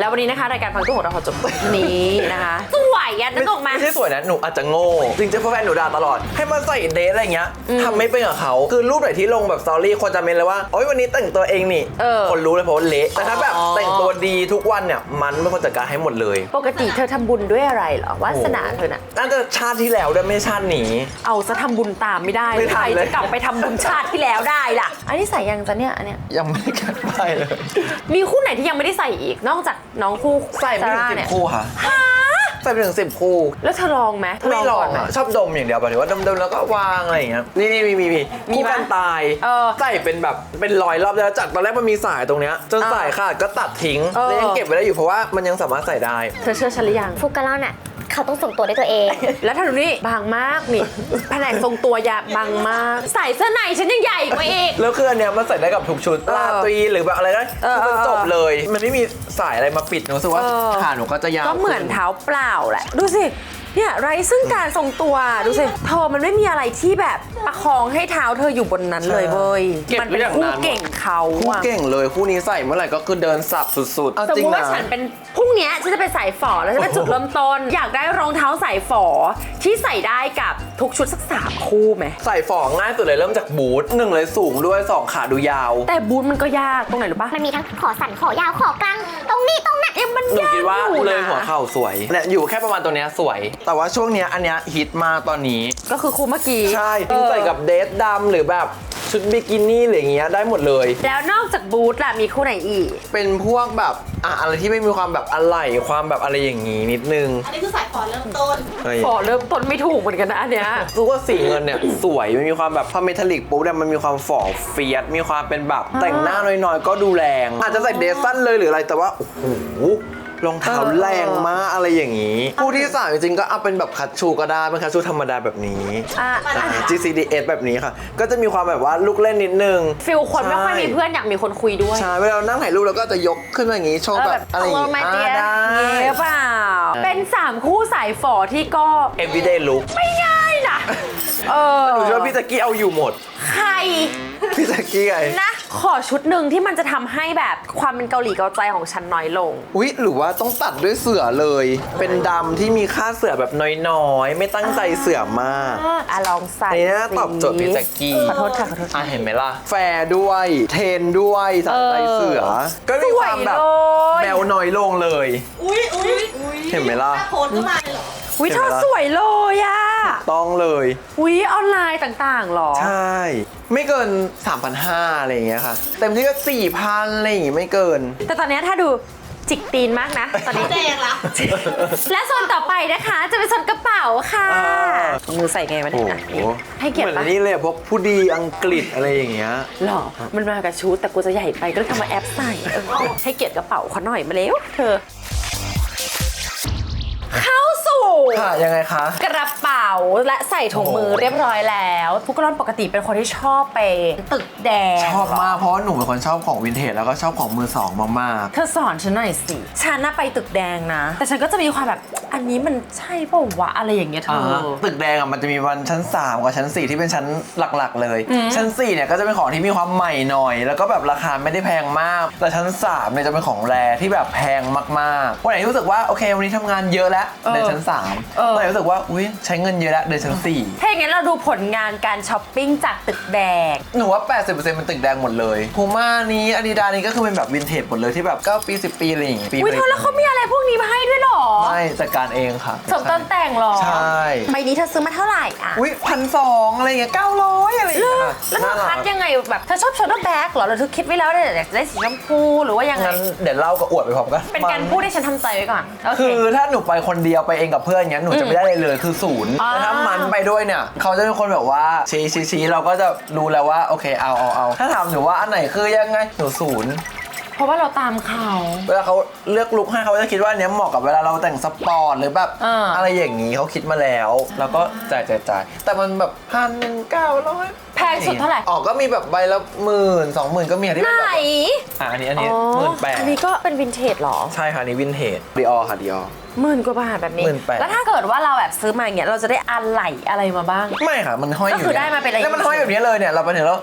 A: แล้ววันนี้นะคะรายการฟังตู้ของเราขอจบนี้นะคะสวยอ่ะนึกออกมา
B: ไม่ใช่สวยนะหนูอาจจะโง่จริงๆแฟนหนูด่าตลอดให้มาใส่เดทอะไรเงี้ยทำไม่เป็นกับเขาคือรูปไหนที่ลงแบบสตอรี่คนจะเมนเลยว่าโอ๊ยวันนี้แต่งตัวเองนี่
A: เออ
B: คนรู้เลยเพราะว่าเละแต่ถ้าแบบ
A: อ๋อ
B: แต่งตัวดีทุกวันเนี่ยมันไม่คนจัดการให้หมดเลย
A: ปกติเธอทำบุญด้วยอะไรเหรอวาสนาเธอน่ะ
B: น่าจะชาติที่แล้วด้วยไม่ชาตินี้
A: เอาซะทำบุญตามไม่ได้
B: ไม่ทั
A: ใคร
B: นเลย
A: จะกลับไปทำบุญชาติที่แล้วได้ล่ะ อันนี้ใส่ยังจะเนี่ยอันเนี้ย
B: ยังไม่ได้กันไปเลย
A: มีคู่ไหนที่ยังไม่ได้ใส่อีก นอกจากน้องคู่
B: ใส่ไม่ถึง
A: ซาร่า
B: สิบ
A: เนี่ย
B: คู่ค่ะใส่ไปถึงสิบคู่
A: แล้วเธอลองไหมเธอ
B: ไม่ลอ
A: ก่
B: ง
A: นไหม
B: อะชอบดมอย่างเดียวแบบว่าดมๆแล้วก็วางอะไรอย่างเงี้ยนี่นี่มีมีมี
A: มี
B: คู่
A: ไหม
B: กันตาย
A: เออ
B: ใส่เป็นแบบเป็นรอยรอบแล้วจากตอนแรกมันมีสายตรงเนี้ยจน
A: เออ
B: สายขาดก็ตัดทิ้ง
A: เออ
B: แล้วยังเก็บไว้ได้อยู่เพราะว่ามันยังสามารถใส่ได้
A: เธอเชื่อฉันหรือยัง
D: ฟุกกะเล่าน่ะเขาต้องส่งตัวด้วยตัวเอง
A: แล้วเธอดูนี่บางมากนี่แผนกทรงตัวยาบางมาก ใส่เสื้อในฉันยังใหญ่กว่าอีก
B: แล้วคืออันเนี้ยมันใส่ได้กับทุกชุด
A: เออ
B: ลาตรีหรือแบบอะไรได้
A: เออ
B: คือมัน
A: เออ
B: จบเลย มันไม่มีสายอะไรมาปิดหนูรู้สึกว่า
A: เออ
B: ขาหนูก็จะยาว
A: ก็เหมือน
B: ขึ้
A: เท้าเปล่าแหละ ดูสิ เนี่ยไร้ซึ่งการทรงตัว ดูสิ เธอมันไม่มีอะไรที่แบบประคองให้เท้าเธออยู่บนนั้นเลยเว้ย
B: เก็บ
A: มัน
B: ไว้
A: เป็น
B: อย่าง
A: คู่
B: นาน
A: เก่งเขา
B: คู่
A: อะ
B: เก่งเลยคู่นี้ใส่เมื่อไหร่ก็คือเดินสับสุดๆเอา
A: สม
B: จริ
A: ม
B: ง
A: ติว่า
B: นะ
A: ฉันเป็นพรุ่งเนี้ยฉันจะไปใส่ฝอแล้วฉันเป็นจุดเริ่มต้น อยากได้รองเท้าใส่ฝอที่ใส่ได้กับทุกชุดสักสามคู่ไหม
B: ใส่ฝอง่ายสุดเลยเริ่มจากบูทหนึ่งเลยสูงด้วยสองขาดูยาว
A: แต่บูทมันก็ยากตรงไหนรู้ปะ
D: มันมีทั้งขอสั่นขอยาวขอกลางตรงนี้ตรงนั้น
A: เอ็มมัน
B: หนู
A: ยาก
B: คิดว่า
A: อยู่
B: เลย
A: นะ
B: หัวเข่าสวยเนี่ยอยู่แค่ประมาณตัวเนี้ยสวย แต่ว่าช่วงเนี้ยอันเนี้ยฮิตมากตอนนี้
A: ก็คือคู่เมื่อกี้
B: ใช่
A: เออ
B: ใส่กับเดทดำหรือแบบชุดบิกินี่อะไรอย่างเงี้ยได้หมดเลย
A: แล้วนอกจากบูทล่ะมีคู่ไหนอีก
B: เป็นพวกแบบอ่ะอะไรที่ไม่มีความแบบอะไหล่ความแบบอะไรอย่างงี้นิดนึง
C: อันนี้คือสายฟอนเริ่มต้น
B: เฮ้ย
A: ฝอเริ่มต้นไม่ถูกเหมือนกันนะอันเนี้ย
B: รู้ว่าสีเงินเนี่ย สวยมันมีความแบบพอเมทัลลิกปุ๊บเนี่ยมันมีความฝ่อเฟียสมีความเป็นแบบแต่งหน้าน้อยๆ ก็ดูแรง อาจจะใส่เดรสสั้นเลยหรืออะไรแต่ว่าโอ้โหรองเท้าแรงมากอะไรอย่างนี้คู่ที่สามจริงๆก็เอาเป็นแบบคัชชูก็ได้เป็นคัชชูธรรมดาแบบนี้
A: อ่ะ
B: อ่า จี ซี ดี เอส แบบนี้ค่ะ ก็จะมีความแบบว่าลูกเล่นนิดนึง
A: ฟิลคนไม่ค่อยมี
B: ใช่
A: เพื่อนอยากมีคนคุยด้วย
B: ใช่เวลาเรานั่งถ่ายรูปเราก็จะยกขึ้นมาอย่างนี้โชว์แบบอะไรอย่าง
A: เอ
B: นี้
A: อมาเตี้ย
B: อ่าได้
A: เงี้ยเปล่า เป็นสามคู่สายฝอที่ก็
B: everyday look
A: ไม่ง่ายนะ เออ
B: หนูเชื่อว่าพี่แจ็กกี้เอาอยู่หมด
A: ใคร
B: พี่แจ็กกี้ไง
A: นะ ขอชุดหนึ่งที่มันจะทำให้แบบความเป็นเกาหลีเกาใจของฉันน้อยลง
B: อุ๊ยหรือว่าต้องตัดด้วยเสือเลย เป็นดำที่มีค่าเสือแบบน้อยๆ ไม่ตั้งใจเสือมาก
A: อ่ะลองใส่
B: อันนี้น่าตอบโจทย์พี่แจ็กกี้
A: ขอโทษค่ะขอโทษ
B: อ่ะเห็นไหมล่ะ แฟร์ด้วย เทรนด้วยสัใจเสือ ก็มีความแบบ
A: สวยเลย
B: แมวน้อยลงเลย
C: อุ้ยอุ้ยอุ้ย
B: เห็นไหมล่ะ
C: ถ้าโพสก็มาเลยเหรอ
A: วิเธอสวยเลยอ่ะ
B: ต้องเลย
A: วิออนไลน์ต่างๆหรอ
B: ใช่ ไม่เกิน สามพันห้าร้อย อะไรอย่างเงี้ยค่ะ เต็มที่ก็ สี่พัน อะไรอย่างงี้ไม่เกิน
A: แต่ตอนเนี้ยถ้าดูจิกตีนมากนะ ตอนนี้
C: แดงละ
A: และโซนต่อไปนะคะ จะเป็นโซนกระเป๋าค่ะ
B: อ่า
A: มือใส่ไงวะ
B: โอ้
A: เนี่ย
B: โห
A: อ่ะให้เกียร
B: เห
A: ติ
B: มือน
A: ปะ
B: อันนี้เลยอะพวกผู้ดีอังกฤษอะไรอย่างเงี้ย
A: หรอ มันมากับชุดแต่กูจะใหญ่ไปก็เลยทำมาแอปใส่เออให้เกียรติกระเป๋าเขาหน่อยมาเร็วเธอ เข้าสู่
B: ค่ะ ยังไงคะ
A: กระเป๋าและใส่ถุงมือ
B: โอ้โห
A: เรียบร้อยแล้วทุกคนปกติเป็นคนที่ชอบไปตึกแดง
B: ชอบมากเพราะว่าหนูเป็นคนชอบของวินเทจแล้วก็ชอบของมือสองมาก
A: เธอสอนฉันหน่อยสิ ฉันน่ะไปตึกแดงนะ แต่ฉันก็จะมีความแบบ อันนี้มันใช่เปล่าวะอะไรอย่างเงี้ย
B: ๆ
A: เธอ
B: อ่าตึกแดงอ่ะมันจะมีวันชั้นสามกับชั้นสี่ที่เป็นชั้นหลักๆ เลย ชั้นสี่เนี่ยก็จะเป็นของที่มีความใหม่หน่อย แล้วก็แบบราคาไม่ได้แพงมาก แต่ชั้นสามเนี่ยจะเป็นของแรที่แบบแพงมากๆวันไหนรู้สึกว่าโอเควันนี้ทำงานเยอะแล้วเดินชั้นสาม
A: เออ
B: วันไหนรู้สึกว่าอุ้ยใช้เงินเยอะแล้วเดินชั้นสี่
A: ถ้าอย่างนั้นเราดูผลงานการช้อปปิ้งจากตึกแดง
B: หนูว่า แปดสิบเปอร์เซ็นต์ เป็นตึกแดงหมดเลยพูม่านี้อาดิดานี้ก็คือเป็นแบบวินเทจหมดเลยที่แบบเก้าปีสิบปีอะไรอย่างงี้ปี
A: อุ้ยเธอแล้วเขามีอะไรพวกนี้มาให้ด้วยเหรอ
B: ไม่จัดการเองค่ะ
A: สมต้นแต่งเหรอ
B: ใช่
A: ใบนี้เธอซื้อมาเท่าไหร่อ่ะ
B: อุ้ยพันสองอะไรอย่างเงี้ยเก้าร้อยอะไรอย่างเงี้ย
A: แล้วเธอคัดยังไงแบบเธอชอบโชว์แบ็กเหรอหรือเธอคิดไว้แล้วเนี่ยอยากจะได้สีชมพูหรือว่ายังไง
B: งั้นเดี๋ยวเล่ากับอวดไปพร้อมกัน
A: เป็นการพูดให้ฉันทำใจไว้ก่อนโอเค
B: คือถ้าหนูไปคนเดียวไปเองกับเพื่อนเงี้ยหนูจะไม่ได้เลยเลยคือศูนย์
A: อ่า
B: แต่ถ้ามันไปด้วยเนี่ยเขาจะเป็นคนแบบว่าชี้ชี้ชี้เราก็จะรู้แล้วว่าโอเคเอาเอาเอาถ้าถามหนูว่าอันไหนคือยังไงหนูศูนย์
A: เพราะว่าเราตามเขา
B: เวลาเขาเลือกลุคให้เขาจะคิดว่าอันเนี้ยเหมาะกับเวลาเราแต่งสปอร์ตหรือแบบ
A: อ่า
B: อะไรอย่างนี้เขาคิดมาแล้วแล้วก็จ่ายจ่ายจ่ายแต่มันแบบพันเก้าร้อย
A: แพงสุดเท่าไหร่
B: อ๋อก็มีแบบใบละหมื่นสองหมื่นก็มีอะที่
A: ไหน
B: เป็นแบบอ่ะอันนี้อันนี้หมื่นแปด
A: อันนี้ก็เป็นวินเทจเหรอ
B: ใช่ค่ะอันนี้วินเทจดิออค่ะดิออ
A: หมื่นกว่าบาทแบบนี้
B: หมื่นแปด
A: แล้วถ้าเกิดว่าเราแบบซื้อมาอย่างเงี้ยเราจะได้อะไหล่อะไรมาบ้าง
B: ไม่ค่ะมันห้อยอยู่
A: ก็คือได้มาเป็นอะไร
B: แล้วมันห้อยแบบนี้เลยเนี่ยเราไปถึงแล้วอุ้ย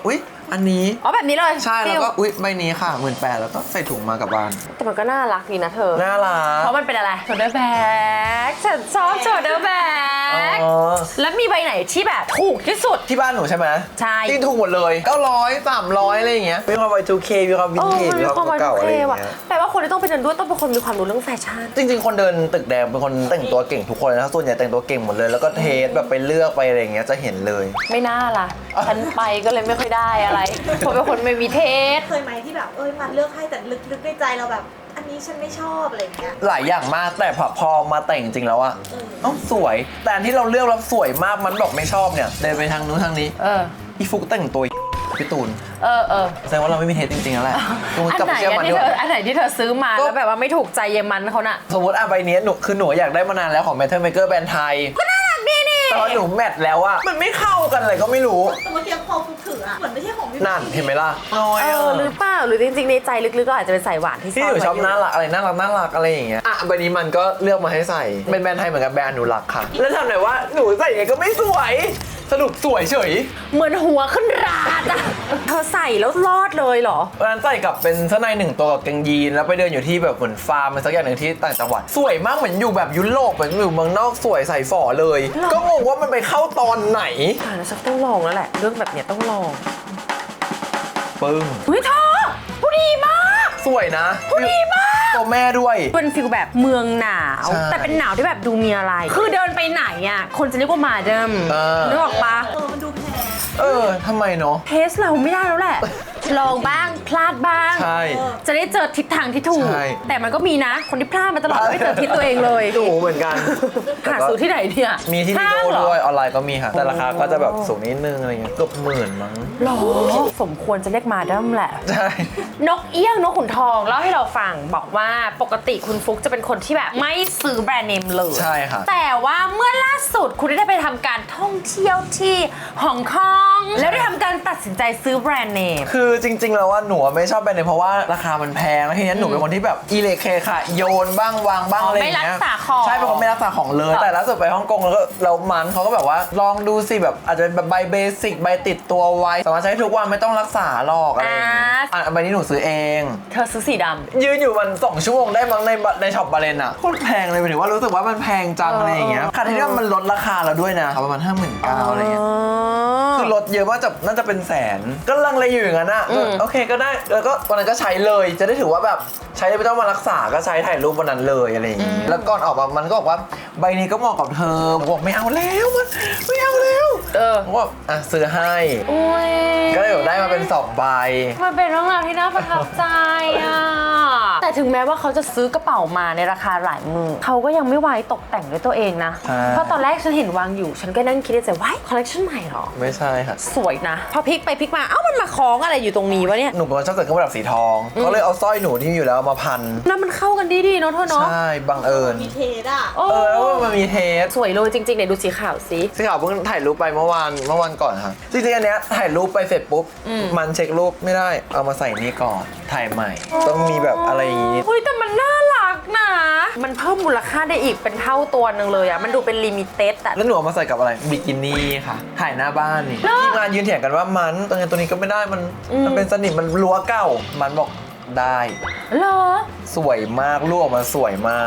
B: อันนี้
A: อ๋อแบบนี้เลย
B: ใช่แล้วก็
A: ฟิ
B: อุ๊ยใบนี้ค่ะหมื่นแปดแล้วก็ใส่ถุงมากลับบ้าน
A: แต่มันก็น่ารักดีนะเธอ
B: น่ารัก
A: เพราะมันเป็นอะไรโชเดอร์แบ็กฉันชอบโชเดอร์แบ็ก
B: อ๋อ
A: แล้วมีใบไหนที่แบบถูกที่สุด
B: ที่บ้านหนูใช่ไหม
A: ใช่
B: ที่ถูกหมดเลยเก้าร้อยสามร้อยอะไรอย่างเงี้ยมีความไว ทู เค มีความวินเทจ
A: มัน
B: มี
A: มี
B: ความ
A: ความ
B: เก่าๆอะไรอย่าง
A: ว่ะ
B: เงี้ย
A: แปลว่าคนที่ต้องไปเดินด้วยต้องเป็นคนมีความรู้เรื่องแฟชั่น
B: จริงๆ คนเดินตึกแดงเป็นคนแต่งตัวเก่งทุกคนนะส่วนใหญ่แต่งตัวเก่งหมดเลย แล้วก็เทสแบบไปเลือกไปอะไรอย่างเงี้ยจะเห็นเลย
A: ไม่น่าล่ะ ฉันไปก็เลยไม่ค่อยได้อะไรผมเป็นคนไม่มีเทส
C: เคยไหมที่แบบเอ้ยมันเลือกให้แต่ลึกๆในใจเราแบบ อันนี้ฉันไม่ชอบอะไรอย่างเงี้ย
B: หลายอย่างมากแต่พอพอมาแต่งจริงๆแล้วอะ
C: เออ
B: เอ้าสวย แต่อันที่เราเลือกแล้วสวยมากมันบอกไม่ชอบเนี่ยเดินไปทางนู้นทางนี้
A: เออ
B: อีฟุกแต่งตัวพี่ตูน
A: เออเออ
B: แสดงว่าเราไม่มีเทสจริงๆแล้วแหละตูน
A: อัน
B: กลับ
A: ไหน
B: ไปเชื่อ
A: อะ
B: มัน
A: ที่
B: ด้
A: เธ
B: วย
A: ออันไหนที่เธอซื้อมา
B: ก็
A: แล้วแบบว่าไม่ถูกใจเยมันเขาน่ะ
B: สมมติอ่ะใบเนี้ยหนูคือหนูอยากได้มานานแล้วของ Metal Maker แบรนด์ไทยก็น่ารักดีนี่แต่ว่าหนูแมทแล้วอะมันไม่เข้ากันเลยก็ไม่รู้
C: แต่เมื่อกี้พอฟุกถืออะเหมือนไม่ใช่ของพี่
B: นั่นเห็นไหมล่ะน้อย
A: เอ
B: อะ
A: อหรือเปล่าหรือจริงๆในใจลึกๆก็อาจจะเป็นสายหวานที่
B: ที่หนูชอบ
A: ไว้ยู่
B: น่ารักอะไรน่ารักน่ารักอะไรอย่างเงี้ยอ่ะใบนี้มันก็เลือกมาให้ใส่เป็นแบรนด์ไทยเหมือนกับแบรนด์อนุรักษ์ค่ะ แล้วทำไหนว่าหนูใส่ยังไงก็ไม่สวยสรุปสวยเฉย
A: เหมือนหัวขึ้นราดอะเธอใส่แล้วรอดเลยเหรอ
B: วันนั้นใส่กับเป็นเสื้อในหนึ่งตัวกับกางยีนแล้วไปเดินอยู่ที่แบบเหมือนฟาร์มอะไรสักอย่างหนึ่งที่ต่างจังหวัดสวยมากเหมือนอยู่แบบยุโรปเหมือนอยู่เมืองนอกสวยใส่ฝ่อเลย ก็งงว่ามันไปเข้าตอนไหน
A: ตายแล้วฉันต้องลองแล้วแหละ เรื่องแบบเนี้ยต้องลอง
B: ปึ้ง
A: เฮ้ยเธอผู้ดีมาก
B: สวยนะ
A: ผู้ดีมาก
B: ตัวแม่ด้วย
A: เป็นฟิลแบบเมืองหนาว
B: ใช่
A: แต่เป็นหนาวที่แบบดูมีอะไร คือเดินไปไหนอ่ะคนจะเรียกว่ามาเดิม
B: เออ
A: นึกออกปะ
C: เออมันดูแพง
B: เออทำไมเนาะ
A: เทสเราไม่ได้แล้วแหละ ลองบ้างพลาดบ้าง
B: ใช่
A: จะได้เจอทิศทางที่ถูก
B: ใช่
A: แต่มันก็มีนะ คนที่พลาดมาตลอดไม่เจอทิศตัวเองเลย
B: หนูเหมือนกัน
A: หาซื้อที่ไหนเนี่ย
B: มีที่
A: ห้า
B: ดี
A: ง
B: โด
A: เหรอ
B: ด้วยออนไลน์ก็มีค่ะ แต่ราคาก็จะแบบสูงนิดนึงอะไรเงี้ยเกือบหมื่นมั้ง
A: หรอสมควรจะเรียกมาเดิมแหละ
B: ใช่
A: นกเอี้ยงนกขุนทองเล่าให้เราฟังบอกว่าปกติคุณฟุกจะเป็นคนที่แบบไม่ซื้อแบรนด์เนมเลย
B: ใช่ค่ะ
A: แต่ว่าเมื่อล่าสุดคุณได้ไปทำการท่องเที่ยวที่ฮ่องกงแล้วได้ทำการตัดสินใจซื้อแบรนด์เนม
B: คือจริงๆแล้วว่าหนูไม่ชอบแบรนด์เนมเพราะว่าราคามันแพงแล้วทีนี้หนูเป็นคนที่แบบอีเลเคค่ะโยนบ้างวางบ้าง
A: อ๋อ
B: อะไรอย่างเงี้ย
A: ไม่รักษาของ
B: ใช่เป็นคนไม่รักษาของเลย แต่ล่าสุดไปฮ่องกงแล้วก็เรามันเขาก็แบบว่าลองดูสิแบบอาจจะเป็นแบบใบเบสิกใบติดตัวไว้สามารถใช้ทุกวันไม่ต้องรักษาหรอกอะไรอย่างเงี้ยอ่ะใบนี้หนูซื้อเอง
A: เธอซื้อสีดำ
B: ยืนอยู่มันสองชั่วโมงได้มั้งในในช็อปบาเลนอะโคตรแพงเลยหมายถึงว่ารู้สึกว่ามันแพงจัง
A: เออ
B: อะไรอย่างเงี้ย
A: เออ
B: ค่ะที่นี่มันลดราคาเราด้วยนะประมาณห้าหมื่นเก้าอะไรเงี้ยคือลดเยอะมากจะน่าจะเป็นแสนก็ลังเลอยู่อย่างนั้นอะก็โอเคก็ได้แล้วก็วันนั้นก็ใช้เลยจะได้ถือว่าแบบใช้ไม่ต้องมารักษาก็ใช้ถ่ายรูปวันนั้นเลยอะไรอย่างงี้แล้วก่อนออกมามันก็บอกว่าใบนี้ก็เหมาะกับเธอผมบอกไม่เอาแล้วมันไม่เอาแล้ว
A: เออ
B: ผมบอกอ่ะซื้อให้
A: โอ้ย
B: ก็เลยแบบได้มาเป็นสองใบ
A: มันเป็นเรื่องราวที่น่าประทับใจอ่ะ แต่ถึงแม้ว่าเขาจะซื้อกระเป๋ามาในราคาหลายหมื่นเขาก็ยังไม่ไว้ตกแต่งด้วยตัวเองนะ
B: ใช่
A: เพราะตอนแรกฉันเห็นวางอยู่ ฉันก็นั่งคิดในใจว้ายคอลเลคชันใหม่เหรอ
B: ไม่ใช่ค่ะ
A: สวยนะ พอพลิกไปพลิกมา เอ้ามันมาคล้องอะไรอยู่ตรงนี้วะเนี่ย
B: หนูเป็นคนชอบใส่เครื่องประดับสีทองก็เลยเอาสร้อยหนูที่มีอยู่แล้วเอามาพัน
A: แล้วมันเข้ากันดีๆเนาะเธอเนาะ
B: ใช่บังเอิญ
C: มีเทสอะ
A: โอ้
B: เออแล้วมันมีเทส
A: สวยเลยจริงๆเนี่ยดูสีขาวสิ
B: สีขาวเพิ่งถ่ายรูปไปเมื่อวานเมื่อวันก่อนค่ะจริงๆอันเนี้ยถ่ายรูปไปเสร็จปุ๊บ
A: อืม
B: มันเช็ครูปไม่ได้เอามาใส่นี่ก่อนถ่ายใหม่ ต้องมีแบบอะไรอย่างงี้
A: เฮ้ยแต่มันน่ารักนะ มันเพิ่มมูลค่าได้อีกเป็นเท่าตัวหนึ่งเลยอะมันดูเป็นลิมิเต็ดอะ
B: แล้วหนูเอามาใส่กับอะไรบิกินี่ค่ะถ่ายหน้าบ้านนี่
A: เหรอ
B: ทีมงานยืนเถียงกันว่ามันตัวนี้ตัวนี้ก็ไม่ได้มัน
A: อืม
B: มันเป็นสนิมมันรั้วเก่ามันบอกได้
A: เหรอ
B: สวยมากรูปออกมาสวยมาก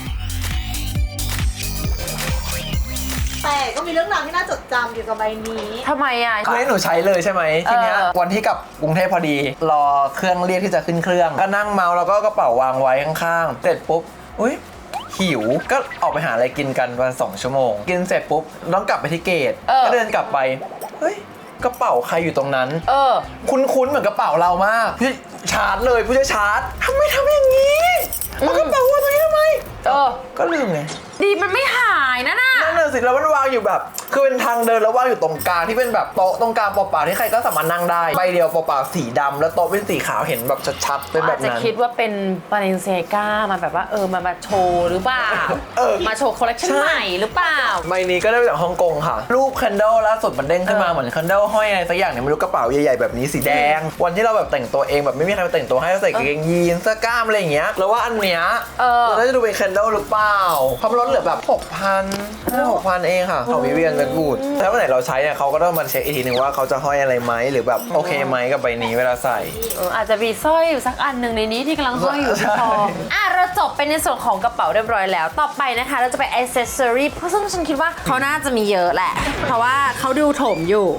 C: แต่ก็มีเรื่องราวที่น่าจดจำเกี่ยวกับใบนี้
A: ทำไมอะ
B: คือให้หนูใช้เลยใช่ไหมทีเนี้ย
A: เออ
B: วันที่กลับกรุงเทพพอดี รอเครื่องเรียกที่จะขึ้นเครื่อง ก็นั่งเมาแล้วก็กระเป๋าวางไว้ข้างๆ เสร็จปุ๊บอุ้ยหิวก็ออกไปหาอะไรกินกันวันสองชั่วโมง กินเสร็จปุ๊บต้องกลับไปที่เกต
A: เออ
B: ก็เดินกลับไปเฮ้ยกระเป๋าใครอยู่ตรงนั้น
A: เออ
B: คุ้นๆเหมือนกระเป๋าเรามากพี่ชาร์จเลยผู้ช่วยชาร์จทำไมทำอย่างนี้เอากระเป๋าวางตรงนี้ทำไม
A: เออ
B: ก็ลืมไง
A: ดีมันไม่หายนะน่ะ
B: นั่นน่ะสิแล้วมันวางอยู่แบบ คือเป็นทางเดินแล้ววางอยู่ตรงกลางที่เป็นแบบโต๊ะตรงกลางเปล่าๆที่ใครก็สามารถนั่งได้ใบเดียวเปล่าๆสีดำแล้วโต๊ะเป็นสีขาวเห็นแบบชัดๆเป็นแบ
A: อา
B: บ
A: จจะ
B: นั้น
A: คิดว่าเป็นบาเลนเซียก้ามาแบบว่าเออมามาโชว์หรือเปล่า
B: เออ
A: มาโชว์คอลเลคชัน
B: ใช่
A: ใหม่หรือเปล่า
B: ใบนี้ก็ได้มาจากฮ่องกงค่ะ รูปคันเดิลล่าสุดมันเด้งขึ้นมา
A: เออ
B: เหมือนคันเดิลห้อยอะไรสักอย่างเนี่ยไม่รู้กระเป๋าใหญ่ๆแบบนี้สีแดง วันที่เราแบบแต่งตัวเองแบบไม่มีใครมาแต่งตัวให้เราใส่กางเกงยีนเสื้อกล้ามอะไรอย่างเงี้ยแล้วว่าอันเนี้ย
A: เออ
B: เราน่าจะดูเป็นคันเดิลหรือเปล่าความนลดเหลือแบบหกพันหกพันเองค่ะของวิเวียนไปดวูดแล้ววันไหนเราใช้เนี่ยเขาก็ต้องมาเช็คอีกทีหนึ่งว่าเขาจะห้อยอะไรไหมหรือแบบโอเคไหมกับใบนี้เวลาใส่
A: เอออาจจะมีสร้อยอยู่สักอันหนึ่งในนี้ที่กำลังห้อยอยู่ที่คออ่ะเราจบไปในส่วนของกระเป๋าเรียบร้อยแล้ว ต่อไปนะคะเราจะไปอ c เซสซอรี่ซึ่งฉันคิดว่าเขาน่าจะมีเยอะแหละ เพราะว่าเขาดูโถมอยู่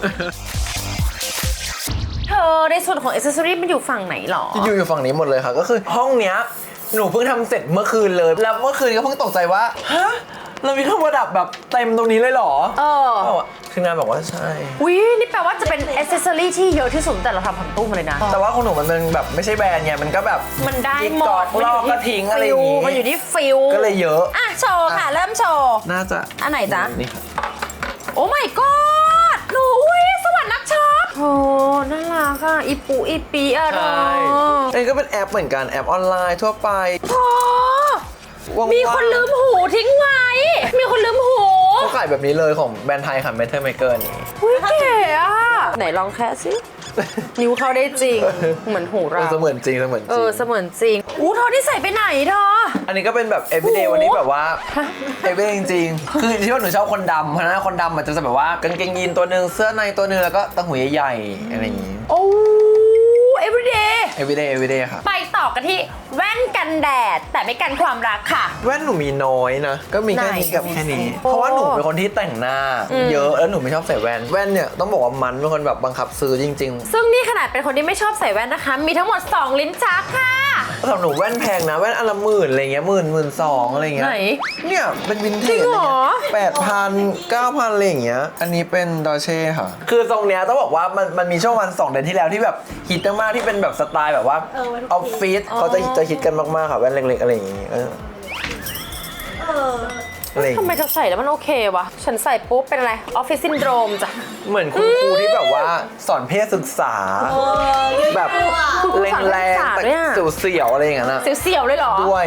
A: เธอในส่วนของอ c เซสซอรี่มันอยู่ฝั่งไหนหรอ
B: อยู่อยู่ฝั่งนี้หมดเลยค่ะก็คือห้องเนี้ยหนูเพิ่งทำเสร็จเมื่อคืนเลยแล้วเมื่อคืนก็เพิ่งตกใจว่าฮะเรามีเครื่องประดับแบบเต็มตรงนี้เลยเหรอ
A: เออ
B: เขาบอกว่าทีมงานบอกว่าใช่
A: วินี่แปลว่าจะเป็นอ c เซสซอรี่ที่เยอะที่สุดแต่เราทำผังตู้มาเลยนะ
B: แต่ว่าของหนูมันเป็นแบบไม่ใช่แบรนด์ไงมันก็แบบ
A: มันได้หม
B: กอ
A: ด
B: ดลอกก็ทิ้งอะไรอย่างงี้
A: มันอยู่ที่ฟิล
B: ก็เลยเยอะ
A: อ่ะโชว์ค่ะ เริ่มโชว์
B: น่าจะ
A: อันไหนจ๊ะ
B: นี่ค่ะ
A: โอ้ my god หนูอุ้ยสวรรค์นักช็อปโอ้น่ารักอ่ะอีปูอีปีอ่ะเธอ
B: อันนี้ก็เป็นแอปเหมือนกันแอปออนไลน์ทั่วไป
A: โอ้
B: ว่างๆ
A: มีคนลืมหูทิ้งไว้ มีคนลืมหู
B: เขาขายแบบนี้เลยของแบรนด์ไทยค่ะ Metal Maker นี่
A: อุ้ยเก๋อ่ะ ไหนลองแค่สิ นิ้วเข้าได้จริง เหมือนหู
B: เอ
A: เรา
B: อเสมือนจริงเสมือนจ
A: เอ
B: ริง
A: อเสมือนจริงอู้เธอที่ใส่ไปไหนเธอ
B: อันนี้ก็เป็นแบบ everyday
A: โอ้โห
B: วันนี้แบบว่า everyday จริงๆ คือที่ว่าหนูชอบคนดำเพราะฉะนั้นคนดำมันจะแบบว่ากางเกงยีนตัวหนึ่งเสื้อในตัวหนึ่งแล้วก็ตั้งหูใหญ่ๆอะไรอย่างงี้
A: โอ้ everyday
B: everyday everyday ค่ะ
A: ไปต่อกันที่แว่นกันแดด แต่ไม่กันความรักค่ะ
B: แว่นหนูมีน้อยนะ ก็มีแค่นี้
A: ไหน
B: กับแค่นี้
A: โอ้
B: เพราะว่าหนูเป็นคนที่แต่งหน้า
A: อืม
B: เยอะแล้วหนูไม่ชอบใส่แว่น แว่นเนี่ยต้องบอกว่ามันเป็นคนแบบบังคับซื้อจริง
A: ซึ่งนี่ขนาดเป็นคนที่ไม่ชอบใส่แว่นนะคะ มีทั้งหมด สอง ลิ้นชักค่ะ
B: ๆสำหรับหนูแว่นแพงนะ แว่นอันละหมื่นอะไรเงี้ยหมื่นหมื่นสองอะไรเงี้ย
A: ไหน
B: เนี่ยเป็นวินเท
A: จริ
B: จ
A: งเหรอ
B: แปดพันเก้าพันอะไรอย่างเงี้ย อันนี้เป็นดอเช่ค่ะ คือทรงเนี้ยต้องบอกว่ามันมันมีช่วงวันสองเดือนที่แล้วที่แบบฮิตมากๆที่เป็นแบบสไตล์แบบว่า
C: เออมัน
B: ออฟฟิศเขาจะจะฮิตกันมากๆค่ะแว่นเล็กๆอะไรอย่างงี้เออ
C: เออ
B: อะไรอย่าง
A: ทำไม
B: งี้
A: เธอใส่แล้วมันโอเควะ ฉันใส่ปุ๊บเป็นอะไร ออฟฟิศซินโดรมจ้ะ
B: เหมือนคุณครูที่แบบว่าสอนเพศศึกษา
C: เออ
B: แบบ
A: คุณครู
B: แร
A: สอนเพศศึ
B: ง
A: กษา
B: ๆแต่
A: ด้วยอะ
B: เสียวๆอะไรอย่างเงี้ยนะ
A: เสียวๆเลยเหรอ
B: ด้วย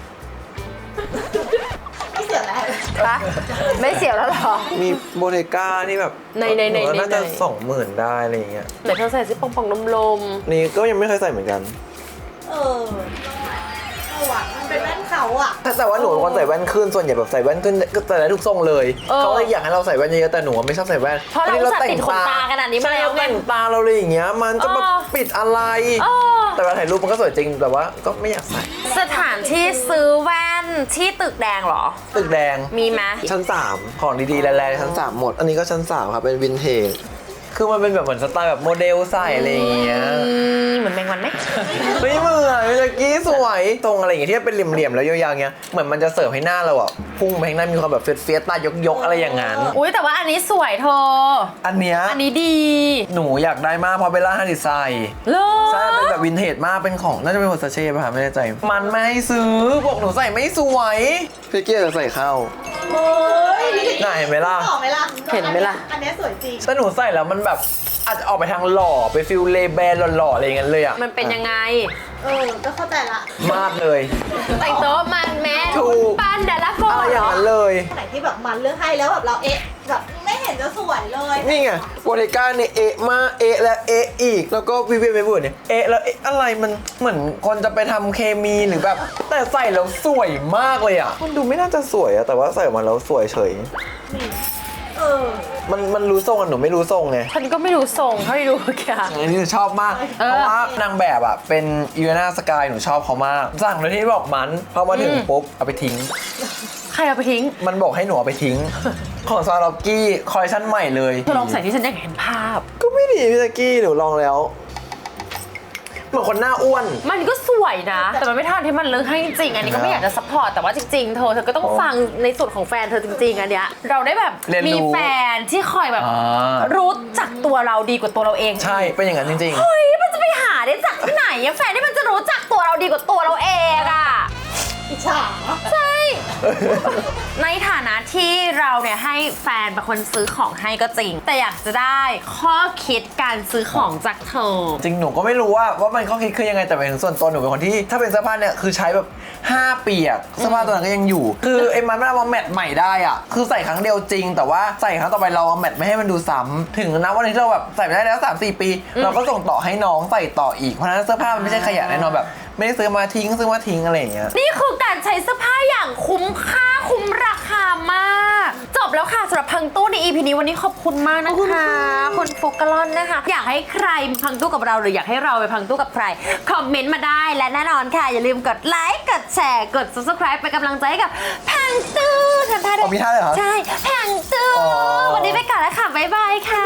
C: ไม่เสียแล้ว
A: ปะไม่เสียวแล้วเหรอ
B: มีโบเทก้านี่แบบ
A: ในในใน
B: หว่าน่าจะ
A: ใน
B: สองหมื่นได้อะไรอย่างเงี้ย
A: ไหนเธอใส่ซิปองปองๆลม
B: นี่ก็ยังไม่เคยใส่เหมือนกัน
C: เออเออว่ะมันเป็นแว่นเขาอ่ะ
B: ถ้าแต่ว่าหนูเป็นคนใส่แว่นขึ้นส่วนใหญ่แบบใส่แว่นขึ้นก็ใส่ได้ทุกทรงเลย
A: เออ
B: เขาเลยอยากให้เราใส่แว่นเยอะๆแต่หนูไม่ชอบใส่แว่น
A: เพราะเราอุตส่าห์ติดขนตาขนาดนี้มา
B: ใช่
A: แล้ว
B: เราแต่งตาเราเลยอย่างเงี้ยมันจะมา
A: เออ
B: ปิดอะไร
A: ๆเออ
B: แต่เวลาถ่ายรูปมันก็สวยจริงแต่ว่าก็ไม่อยากใส่
A: สถานที่ซื้อแว่นที่ตึกแดงเหรอ
B: ตึกแดง
A: มีไหม
B: ชั้นสามของดีๆแรงๆชั้นสามหมด อันนี้ก็ชั้นสามครับเป็นวินเทจคือมันเป็นแบบเหมือนสไตล์แบบโมเดลใส่อะไรอย่างเงี้ย
A: เหมือนแมงวันไหม
B: ไม่เหมือนเมื่อกี้สวยตรงอะไรอย่างเงี้ยที่เป็นเหลี่ยมๆแล้วยาวๆเงี้ยเหมือนมันจะเสิร์ฟให้หน้าเราอ่ะพุ่งไปข้างหน้ามีความแบบเฟียสๆตายกๆอะไรอย่างงั้น
A: อุ้ยแต่ว่าอันนี้สวยเธอ
B: อันเนี้ย
A: อันนี้ดี
B: หนูอยากได้มากเพราะเบลล่าฮันดิไซน์
A: เล
B: ใช่เป็นแบบวินเทจมากเป็นของน่าจะเป็นวอร์ซาเช่ป่ะคะไม่แน่ใจมันไม่ให้ซื้อบอกหนูใส่ไม่สวยพี่เกียร์จะใส่เข้า
C: โอ้ย
B: น่าเห็นไหมล่ะ
C: ต่อไหมล่ะ
A: เห็นไหมล่ะ
C: อันเนี้ยสวยจริง
B: แต่หนูใส่แล้วมันแบบอาจจะออกไปทางหล่อไปฟิลเลแบนหล่อๆอะไรอย่างเงี้ยเลยอ่ะ
A: มันเป็นยังไง
C: เออ ก็เข้าใจละ
B: มากเลย
A: แต่งโต๊ะมันแม่
B: ถูก
A: ปันเดลโฟ
B: อะไรอย่างนั้นเลย
C: ไหนที่แบบมันเลือกให้แล้วแบบเราเอ๊ะแบบไม่เห็นจะสวยเลย
B: นี่ไงโบเทก้าเนี่ยเอะมาเอะและเอะอีก แล้วก็วิเวียนเวเบิร์ดเนี่ยเอะแล้วเอะอะไรมันเหมือนคนจะไปทำเคมีหรือแบบ แต่ใส่แล้วสวยมากเลยอ่ะมันดูไม่น่าจะสวยอะแต่ว่าใส่ออกมาแล้วสวยเฉย
C: เออ
B: มันมันรู้ทรงอะหนูไม่รู้ทรงไง
A: ฉันก็ไม่รู้ทรงเท่าที่ดูแค่
B: อันนี้หนูชอบมาก
A: เออ
B: เพราะว่านางแบบอ่ะเป็นยูเอนาสกายหนูชอบเขามากสั่งโดยที่บอกมันพอมาถึง
A: อืม
B: ปุ๊บเอาไปทิ้ง
A: ใครเอาไปทิ้ง
B: มันบอกให้หนูเอาไปทิ้ง ของซาล็อกกี้คอลเลคชั่นใหม่เลย
A: เธอลองใส่ที่ฉันอยากเห็นภาพ
B: ก็ไม่ดีพี่ตะกี้หนูลองแล้วเหมือนคนหน้าอ้วน
A: มันก็สวยนะ แต่มันไม่เท่าที่มันเลือกให้จริงๆอันนี้ก็ไม่อยากจะซัพพอร์ตแต่ว่าจริงๆเธอเธอก็ต้องฟังในส่วนของแฟนเธอจริงๆอันเนี้ยเราได้แบบ
B: เรียนรู้
A: มีแฟนที่คอยแบบ
B: อ่า
A: รู้จักตัวเราดีกว่าตัวเราเอง
B: ใช่เป็นอย่างนั้นจริง
A: เฮ้ยมันจะไปหาได้จากที่ไหนอะแฟนที่มันจะรู้จักตัวเราดีกว่าตัวเราเองอะ
C: อิจฉา
A: ใช่ ในฐานะที่เราเนี่ยให้แฟนเป็นคนซื้อของให้ก็จริง แต่อยากจะได้ข้อคิดการซื้อของจากเธอ
B: ๆ จริงหนูก็ไม่รู้ว่าว่ามันข้อคิดคือยังไงแต่หมายถึงส่วนตัวหนูเป็นคนที่ถ้าเป็นเสื้อผ้าเนี่ยคือใช้แบบห้าปีอะเสื้อผ้าตัวนั้นก็ยังอยู่ คือไอ้มันไม่เอามาแมทใหม่ได้อะคือใส่ครั้งเดียวจริง แต่ว่าใส่ครั้งต่อไปเราเอาแมทไม่ให้มันดูซ้ำถึงนะวันนี้ที่เราแบบใส่ไม่ได้แล้วสามสี่ปี เราก็ส่งต่อให้น้องใส่ต่ออีกเพราะฉะนั้นเสื้อผ้ามันไม่ใช่ขยะแน่นอนแบบไม่ได้ซื้อมาทิ้งซื้อมาทิ้งอะไรอย่างเงี้ย
A: นี่คือการใช้เสื้อผ้าอย่างคุ้มค่าคุ้มราคามาก จบแล้วค่ะสำหรับพังตู้ใน อี พี นี้วันนี้ขอบคุณมากนะคะคุณโฟกัลอนนะคะ อยากให้ใครพังตู้กับเราหรืออยากให้เราไปพังตู้กับใครคอมเมนต์มาได้และแน่นอนค่ะอย่าลืมกดไลค์กดแชร์กด ซับสไครบ์ เป็นกำลังใจให้กับพังตู้ทำท่าด้วย
B: อ๋อมีท่าเลยเหรอ
A: ใช่พังตู้
B: อ๋อ
A: วันนี้ไปก่อนแล้วค่ะบ๊ายบายค่ะ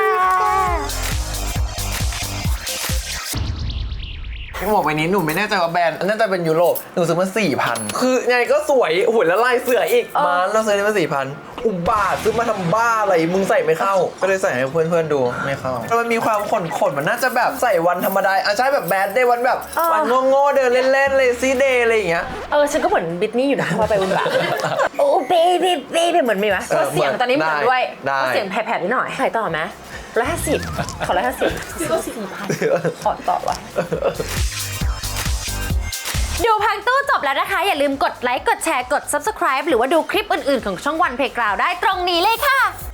B: หมวกใบนี้หนูไม่แน่ใจว่าแบรนด์น่าจะเป็นยุโรปหนูซื้อมาสี่พันคือไงก็สวยหุ่นแล้วลายเสืออีก
A: เออ
B: มาเราซื้อมาสี่พันอุบาทซื้อมาทำบ้าอะไรมึงใส่ไม่เข้า ก็เลยใส่ให้เพื่อนๆดูไม่เข้าแล้วมันมีความขนขนๆมันน่าจะแบบใส่วันธรรมดาอ่ะใช่แบบแบดเดย์วันแบบวันโง่ๆเดินเล่นๆเลยซีเดย์อะไรอย่างเงี้ย
A: เออฉันก็เหมือนบิทนี่อยู่นะพอไปบุญบาโอ้เบบี้เบบี้เหมือนมีไหม
B: เออ
A: ก็เสียงตอนนี้เหมือนด้วย
B: ได้
A: ก็เสียงแผ่ๆนิดหน่อยขายต่อไหมร้อยห้าสิบขอร้อยห้าสิบซื้อก็สี่พันขอต่อวะดูพังตู้จบแล้วนะคะ อย่าลืมกดไลค์ กดแชร์ กด ซับสไครบ์ หรือว่าดูคลิปอื่นๆ ของช่องวันเพลย์กราวด์ได้ตรงนี้เลยค่ะ